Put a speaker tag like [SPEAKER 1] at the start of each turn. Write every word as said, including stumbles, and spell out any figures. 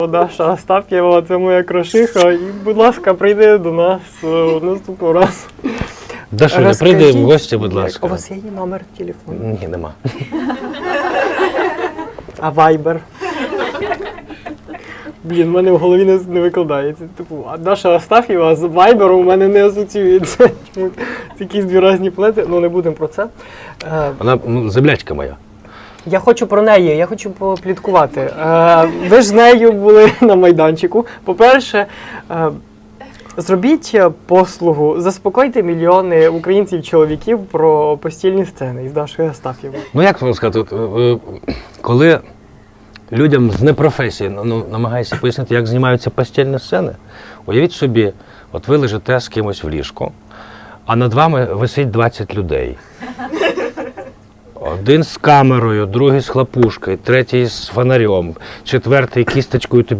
[SPEAKER 1] Даша Астаф'єва, це моя крошиха. І, будь ласка, прийди до нас е, наступного разу.
[SPEAKER 2] Дашуня,
[SPEAKER 1] Розкажіть,
[SPEAKER 2] прийди в гості, будь
[SPEAKER 1] як-
[SPEAKER 2] ласка.
[SPEAKER 1] У вас є її номер телефону?
[SPEAKER 2] Ні, нема.
[SPEAKER 1] А вайбер? Блін, в мене в голові не, не викладається. Типу, а Даша Астаф'єва з вайбером у мене не асоціюється. Чому? Це якісь дві різні плети, ну не будемо про це. Е,
[SPEAKER 2] Вона ну, землячка моя.
[SPEAKER 1] Я хочу про неї, я хочу попліткувати. Е, ви ж з нею були на майданчику. По-перше, е, зробіть послугу, заспокойте мільйони українців-чоловіків про постільні сцени із Дашою Астаф'євою.
[SPEAKER 2] Ну як вам сказати, от, е, е, коли людям з непрофесії ну, намагаєшся пояснити, як знімаються постільні сцени, уявіть собі, от ви лежите з кимось в ліжку, а над вами висить двадцять людей. Один з камерою, другий з хлопушкою, третій з фонарем, четвертий кісточкою тобі